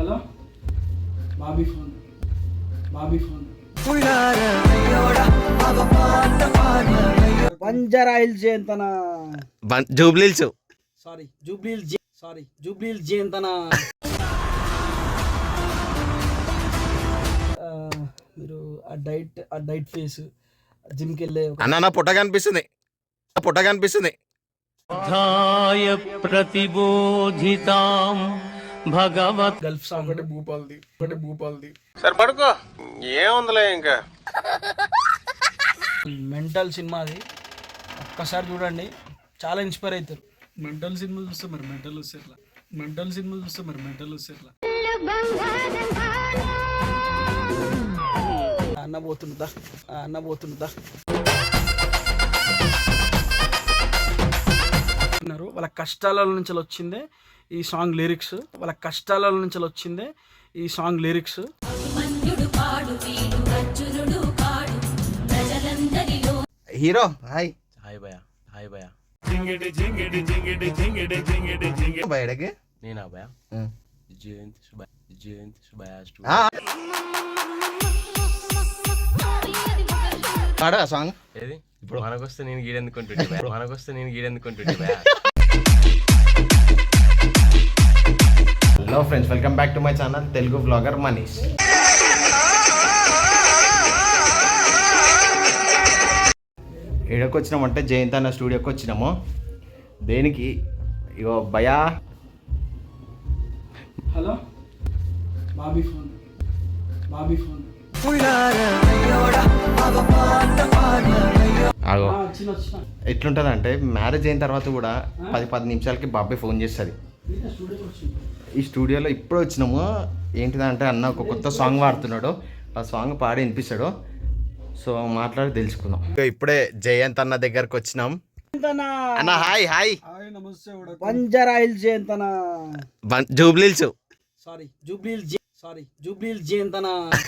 Hello Bobby phone బంజారాయిల్ జయంతన జూబ్లీల్స్ జూబ్లీల్ జయంతన మీరు ఆ డైట్ ఫేస్ జిమ్కి వెళ్ళే అన్న పొట్ట కనిపిస్తుంది ప్రతిబోధితాం భగవత్ గల్ఫ్ సాంగ్ ఒకటి భూపాల్ది సరే పడుకో ఏముందిలే ఇంకా మెంటల్ సినిమా అది ఒక్కసారి చూడండి, చాలా ఇన్స్పైర్ అవుతారు. మెంటల్ సినిమా చూస్తే మరి మెంటల్ వస్తే ఎట్లా అన్న పోతుందా వాళ్ళ కష్టాల నుంచి వచ్చిందే ఈ సాంగ్ లిరిక్స్ హీరో హాయ్ భయ బయటకి నేనా భయ జయంతి సుభయ పాడు ఆ సాంగ్ ఏది ఇప్పుడు మనకొస్తే నేను గీడెందుకుంటుంటే భయ hello friends, welcome back to my channel Telugu blogger Manish. ఎక్కడికి వచ్చినామంటే జయంత్ అన్న స్టూడియోకి వచ్చినాము. దేనికి? ఇగో భయా. హలో బాబీ ఫోన్ ఆగో ఎట్లుంటుంది అంటే మ్యారేజ్ అయిన తర్వాత కూడా 10 నిమిషాలకి బాబాయ్ ఫోన్ చేస్తుంది. ఈ స్టూడియోలో ఇప్పుడు వచ్చినాము. ఏంటిదంటే అన్న ఒక కొత్త సాంగ్ పాడుతున్నాడు, ఆ సాంగ్ పాడి వినిపిస్తాడు. సో మాట్లాడి తెలుసుకుందాం. ఇప్పుడే జయంత్ అన్న దగ్గరకు వచ్చినాం. అన్న హాయ్ బంజారాయిల్ జయంతన జూబ్లీల్స్ జూబ్లీల్ జయంతన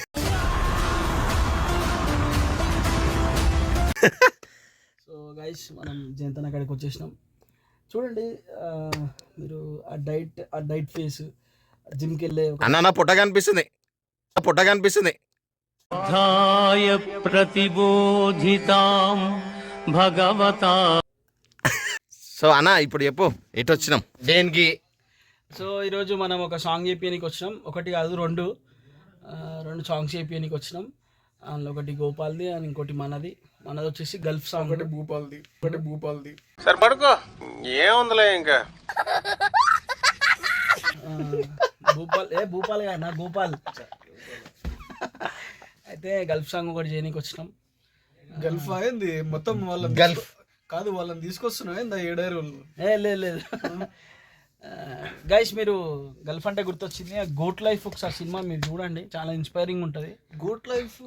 సో గైస్, మనం జయంతన అక్కడికి వచ్చేసినాం. చూడండి, మీరు ఆ డైట్ ఫేస్ జిమ్కి వెళ్ళే అన్న పొట్ట కనిపిస్తుంది ప్రతిబోధితాం భగవతా. సో అన్న ఇప్పుడు చెప్పు, ఎటు వచ్చినాం దేనికి? సో ఈరోజు మనం ఒక సాంగ్ చేపియడానికి వచ్చినాం. ఒకటి కాదు, రెండు సాంగ్స్ చేపియడానికి వచ్చినాం. అందులో ఒకటి గోపాల్ది అండ్ ఇంకోటి మనది వచ్చేసి గల్ఫ్ సాంగ్. ఒకటి భూపాల్ది సరే పడుకో ఏముందిలే ఇంకా. భూపాల్ కాదు, గోపాల్. అయితే గల్ఫ్ సాంగ్ ఒకటి చేయడానికి వచ్చినాం. గల్ఫ్ అయింది మొత్తం గల్ఫ్ కాదు, వాళ్ళని తీసుకొస్తున్నావు ఏందా ఏడారు వాళ్ళు. లేదు గైస్, మీరు గల్ఫ్ అంటే గుర్తొచ్చింది. గోట్ లైఫ్ ఒకసారి సినిమా మీరు చూడండి, చాలా ఇన్స్పైరింగ్ ఉంటుంది. గోట్ లైఫ్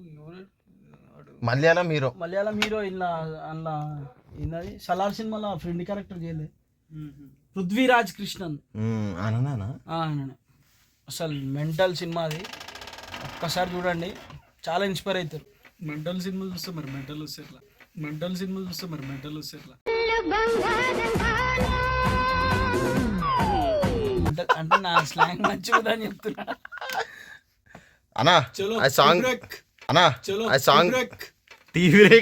మలయాళం హీరో ఇలా అందులో ఏంటది సలార్ సినిమాలో ఫ్రెండ్ క్యారెక్టర్ చేయలేదు, పృథ్వీరాజ్ కృష్ణన్. అసలు మెంటల్ సినిమా అది, ఒక్కసారి చూడండి, చాలా ఇన్స్పైర్ అవుతారు. మెంటల్ సినిమా చూస్తే మరి మెంటల్ వస్తే ఎట్లా అంటే నా స్లాంగ్ మంచిగా అని చెప్తున్నా. అన్నా ఆ సాంగ్ టీవీ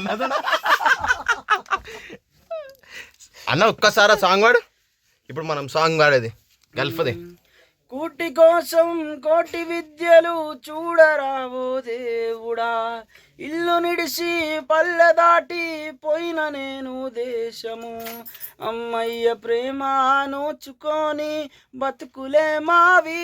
అన్న ఒక్కసారి ఆ సాంగ్ వాడు. ఇప్పుడు మనం సాంగ్ వాడేది గల్ఫ్ది. కూటి కోసం కోటి విద్యలు చూడరావో దేవుడా, ఇల్లు నిడిసి పల్లె దాటి పోయిన నేను దేశము, అమ్మయ్య ప్రేమ నోచుకొని బతుకులే మావి,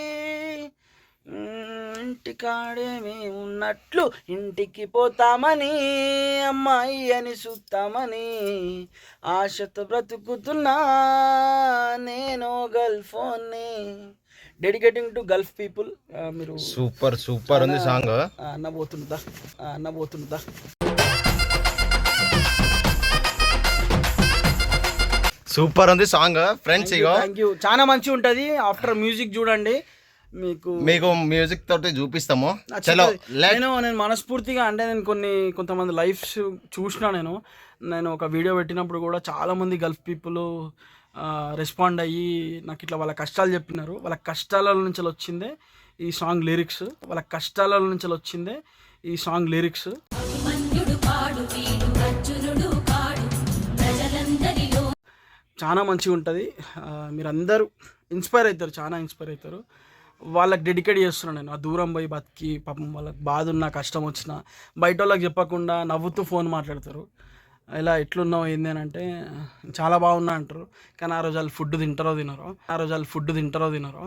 ఇంటికాడే మేము ఉన్నట్లు ఇంటికి పోతామని, అమ్మాయి అని చూస్తామని ఆశతో బ్రతుకుతున్నా నేను గల్ఫోన్ని. Dedicating to Gulf people. మీరు సూపర్ ఉంది సాంగ్. అన్న పోతుందా సూపర్ ఉంది సాంగ్ ఫ్రెండ్స్. థ్యాంక్ యూ, చాలా మంచిగా ఉంటుంది. ఆఫ్టర్ మ్యూజిక్ చూడండి, మీకు మ్యూజిక్ తోటి చూపిస్తాము. నేను మనస్ఫూర్తిగా అంటే నేను కొంతమంది లైఫ్స్ చూసిన. నేను ఒక వీడియో పెట్టినప్పుడు కూడా చాలా మంది గల్ఫ్ పీపుల్ రెస్పాండ్ అయ్యి నాకు ఇట్లా వాళ్ళ కష్టాలు చెప్పినారు. వాళ్ళ కష్టాల నుంచి వచ్చిందే ఈ సాంగ్ లిరిక్స్. వాళ్ళ కష్టాల నుంచి వచ్చిందే ఈ సాంగ్ లిరిక్స్. చాలా మంచిగా ఉంటుంది. మీరందరూ ఇన్స్పైర్ అవుతారు, చాలా ఇన్స్పైర్ అవుతారు. వాళ్ళకి డెడికేట్ చేస్తున్నాను నేను. ఆ దూరం పోయి బతికి పాపం వాళ్ళకి బాధ ఉన్నా కష్టం వచ్చినా బయట వాళ్ళకి చెప్పకుండా నవ్వుతూ ఫోన్ మాట్లాడతారు. ఇలా ఎట్లున్నావు ఏంది అని అంటే చాలా బాగున్నా అంటారు. కానీ ఆ రోజు వాళ్ళు ఫుడ్ తింటారో తినరో.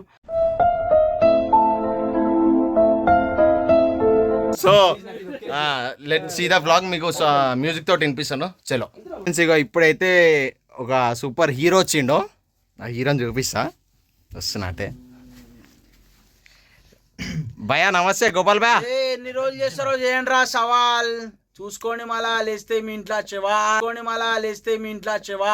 So let see the vlog. మీకు మ్యూజిక్ తోటి వినిపిస్తాను. చలో ఇగో ఇప్పుడైతే ఒక సూపర్ హీరో వచ్చిండో, ఆ హీరోని చూపిస్తా. వస్తున్నట్టే. భయా నమస్తే. గోపాల్ భయా ఎన్ని రోజులు చేస్తారో చేయండి రా సవాల్. చూసుకోండి మళ్ళా లేస్తే మీ ఇంట్లో చెవా.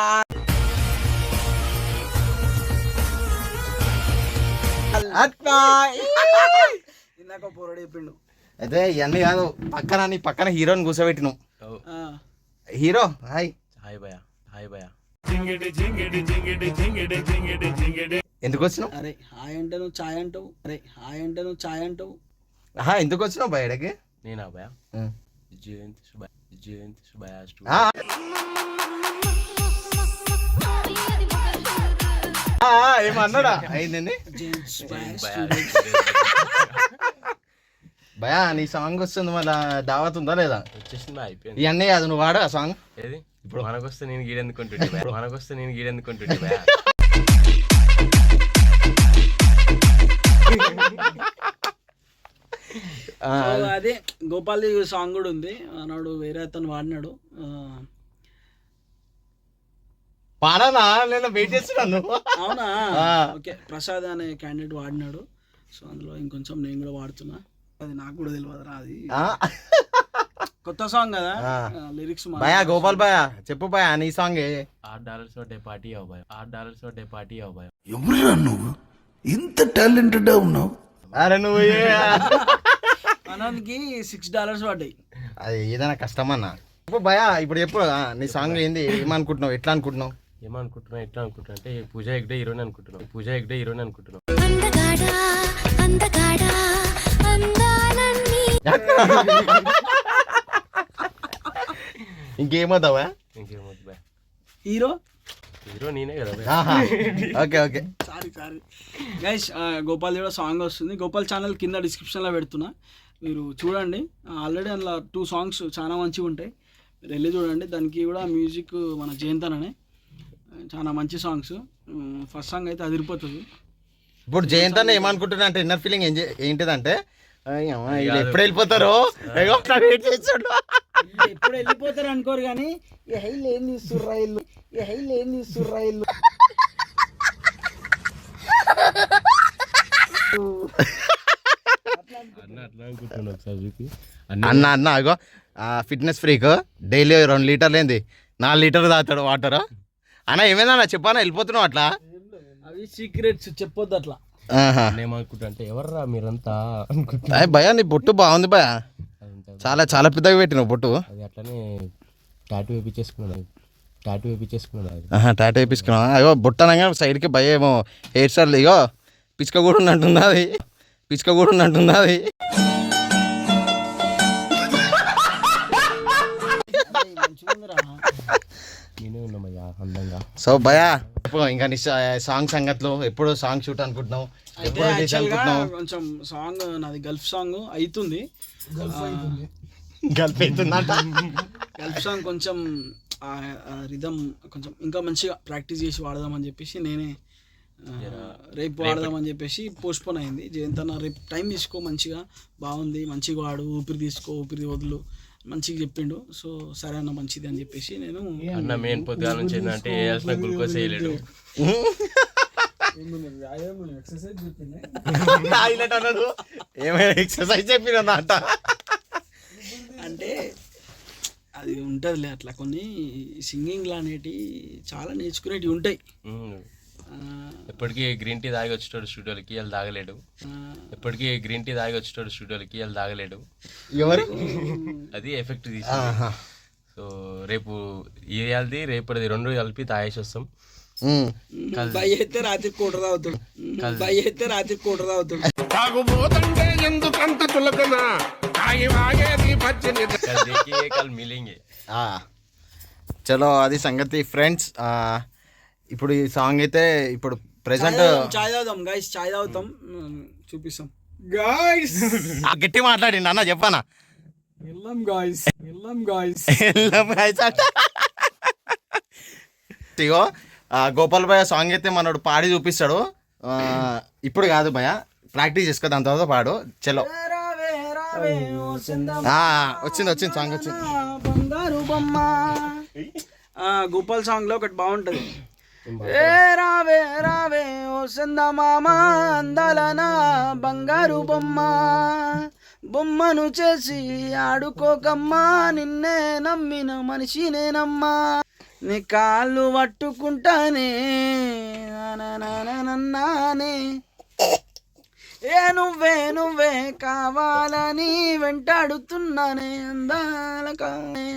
ఇందాక పొరడు చెప్పిండు. అయితే ఇవన్నీ కాదు, నీ పక్కన హీరోని కూర్చోబెట్టినావు. Hero hi. హాయ్ భయ, హాయ్ భయ. ఎందుకు వచ్చినావు? అరే హాయ్ అంటే నువ్వు ఛాయ్ అంటావు. ఎందుకు వచ్చినావు బయటకి? నేనా భయ? జయంతి సుభయ ఏమన్నాడా? అయిందండి భయా. నీ సాంగ్ వస్తుంది, మళ్ళీ దావత్ ఉందా లేదా? వచ్చేసింది, అయిపోయింది. ఇవన్నీ కాదు, నువ్వు వాడు ఆ సాంగ్. ఏది ఇప్పుడు మనకొస్తే నేను గీడెందుకుంటుంటే భయ. అదే గోపాల్ సాంగ్ కూడా ఉంది. అన్నాడు వేరే అతను వాడినాడు. పాడనా? నేను వెయిట్ చేస్తున్నాను. అవునా? ఓకే, ప్రసాద్ అనే క్యాండిడేట్ వాడినాడు. సో అందులో ఇంకొంచెం నేను కూడా వాడుతున్నా. అది నాకు కూడా తెలియదురా, అది కొత్త సాంగ్ కదా. లిరిక్స్ భయా. గోపాల్ భయా చెప్పు భయా, నీ సాంగ్ $8 పార్టీ అవ్వ భయ. ఎవరురా నువ్వు ఇంత టాలెంటెడ్ ఉన్నావు? అరే నువ్వు అనంద్కి $6 పడ్డాయి. అది ఏదైనా కష్టమన్నా. చెప్పు భయా, ఇప్పుడు చెప్పు నీ సాంగ్ ఏంది, ఏమనుకుంటున్నావు, ఎట్లా అనుకుంటున్నావు? ఎట్లా అనుకుంటున్నా అంటే పూజ ఎగ్డే హీరోని అనుకుంటున్నావు. ఇంకేమవుతావా? ఇంకేమవుతుంది భయ. హీరో నేనే కదా భయ. Okay sorry guys. గోపాల్ కూడా సాంగ్ వస్తుంది. గోపాల్ ఛానల్ కింద డిస్క్రిప్షన్లో పెడుతున్నా, మీరు చూడండి. ఆల్రెడీ అందులో 2 సాంగ్స్ చాలా మంచిగా ఉంటాయి, మీరు వెళ్ళి చూడండి. దానికి కూడా మ్యూజిక్ మన జయంతననే. చాలా మంచి సాంగ్స్. ఫస్ట్ సాంగ్ అయితే అదిరిపోతుంది. ఇప్పుడు జయంత్ అన్న ఏమనుకుంటున్నా అంటే ఇన్నర్ ఫీలింగ్ ఏంటిదంటే ఎప్పుడు వెళ్ళిపోతారో ఎప్పుడు వెళ్ళిపోతారు అనుకోరు కానీ ఈ హైలు ఏం తీస్తుర్రా ఇల్లు. అన్న అగో ఫిట్నెస్ ఫ్రీక్ డైలీ 2 లీటర్లు ఏంది 4 లీటర్లు తాగుతాడు వాటర్. అన్న ఏమైందన్నా చెప్పానా, వెళ్ళిపోతున్నావు అట్లా? అవి సీక్రెట్స్ చెప్పొద్దు అట్లా. ఏమనుకుంటా అంటే ఎవర్రా మీరంతా భయా. నీ బొట్టు బాగుంది భయా, చాలా చాలా పెద్దగా పెట్టినావు బొట్టు. అది అట్లనే టాటూ వేయించేసుకున్నాను. టాటూ వేయించుకున్నావా? అయ్యో బొట్ట అనగా సైడ్కి భయ ఏమో హెయిర్ స్టైల్. ఇగో పిచ్చుక కూడా ఉన్నట్టుంది అది. నేనే ఉన్నామయ్యా అందంగా. సో భయా ఇంకా నీ సాంగ్ సంగతిలో ఎప్పుడు సాంగ్ షూట్ అనుకుంటున్నావు? కొంచెం సాంగ్ నాది గల్ఫ్ సాంగ్ అవుతుంది. గల్ఫ్ సాంగ్ కొంచెం రిథమ్ కొంచెం ఇంకా మంచిగా ప్రాక్టీస్ చేసి వాడదామని చెప్పేసి నేనే రేపు వాడదామని చెప్పేసి పోస్ట్పోన్ అయింది. జయంతన్న రేపు టైం తీసుకో, మంచిగా బాగుంది, మంచిగా వాడు, ఊపిరి వదులు మంచిగా చెప్పిండు. సో సరే అన్న మంచిది అని చెప్పేసి నేను అన్న మెయిన్ పొద్దుగా నుంచి ఏంటంటే వేయాల్సిన గ్లూకోజ్ వేయలేడు. ఏమైనా ఎక్సర్సైజ్ చెప్పిన అంటే అది ఉంటుందిలే అట్లా. కొన్ని సింగింగ్లు అనేటివి చాలా నేర్చుకునేటివి ఉంటాయి. ఎప్పటికీ గ్రీన్ టీ తాగి వచ్చేటోడు స్టూడియోలకి వాళ్ళు తాగలేడు. ఎవరు అది ఎఫెక్ట్ తీసి. సో రేపు ఇవాళది రేపటిది 2 కలిపి తాగేసి వస్తాం. బాయ్ అయితే రాత్రి కూట తాగుతాడు బాయ్ అయితే రాత్రి కూట తాగుతాడు తాగుబోతంటే ఎందుకంత చులకన తాగి వాగేది పచ్చని कल देखिए कल मिलेंगे చలో అది సంగతి ఫ్రెండ్స్. ఇప్పుడు ఈ సాంగ్ అయితే ఇప్పుడు ప్రెసెంట్ చాయ్ తాగుతాం గైస్, చాయ్ తాగుతాం, చూపిస్తాం గాయ్స్ గట్టి మాట్లాడిండి అన్న చెప్పానా వెళ్ళాం గాయ్స్ ఇగో గోపాల్ భయ సాంగ్ అయితే మనోడు పాడి చూపిస్తాడు. ఇప్పుడు కాదు భయ, ప్రాక్టీస్ చేసుకో, దాని తర్వాత పాడు. చలో వచ్చింది సాంగ్ వచ్చింది. బంగారు బొమ్మ గోపాల్ సాంగ్ లో ఒకటి బాగుంటది. ఏ రావే రావే ఓ చందమామ అందాలనా బంగారు బొమ్మ, బొమ్మను చేసి ఆడుకోకమ్మా, నిన్నే నమ్మిన మనిషినేనమ్మా, నీ కాళ్ళు పట్టుకుంటానే నానే, ఏ నువ్వే కావాలని వెంటాడుతున్నానే అందాలకా.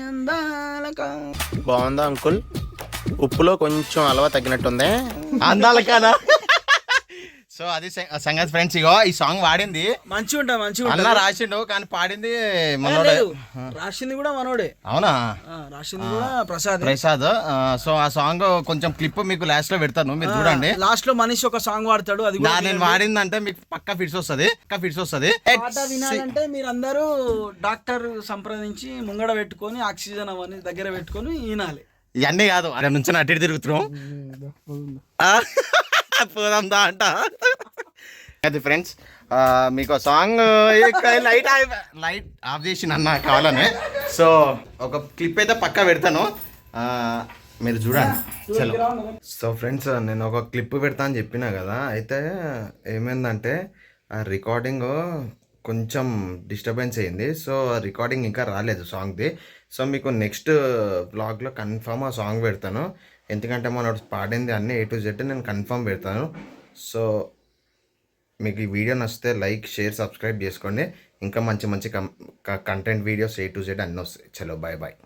బాగుందా అంకుల్? ఉప్పులో కొంచెం అలవా తగ్గినట్టుంది. అందాల కాదా? సో అది సంగతి ఫ్రెండ్స్. ఇగో ఈ సాంగ్ వాడింది మంచిగా అన్న రాసిండు, కానీ పాడింది మనోడే. రాసింది కూడా మనోడే. అవునా? రాసింది కూడా ప్రసాద్. సో ఆ సాంగ్ కొంచెం క్లిప్ మీకు లాస్ట్ లో పెడతాను, మీరు చూడండి. లాస్ట్ లో మనిషి ఒక సాంగ్ వాడతాడు, అది కూడా నేను వాడిందంటే మీకు పక్కా ఫిట్స్ వస్తుంది. పాట వినాలంటే మీరు అందరూ డాక్టర్ సంప్రదించి ముంగడ పెట్టుకొని ఆక్సిజన్ అవన్నీ దగ్గర పెట్టుకొని వినాలి. ఇవన్నీ కాదు, అక్కడ నుంచి అటు తిరుగుతున్నాం. పోదాందా అంట. అది ఫ్రెండ్స్, మీకు సాంగ్ లైట్ ఆఫ్ చేసి అన్న కావాలని. సో ఒక క్లిప్ అయితే పక్కా పెడతాను, మీరు చూడండి. చలో. సో ఫ్రెండ్స్, నేను ఒక క్లిప్ పెడతా అని చెప్పినా కదా, అయితే ఏమైందంటే ఆ రికార్డింగ్ కొంచెం డిస్టర్బెన్స్ అయింది. సో రికార్డింగ్ ఇంకా రాలేదు సాంగ్ది. సో మీకు నెక్స్ట్ బ్లాగ్లో కన్ఫామ్ ఆ సాంగ్ పెడతాను, ఎందుకంటే మనం పాడింది అన్నీ A to Z నేను కన్ఫామ్ పెడతాను. సో మీకు ఈ వీడియో నచ్చితే లైక్, షేర్, సబ్స్క్రైబ్ చేసుకోండి. ఇంకా మంచి content videos A to Z అన్నీ వస్తాయి. చలో బాయ్.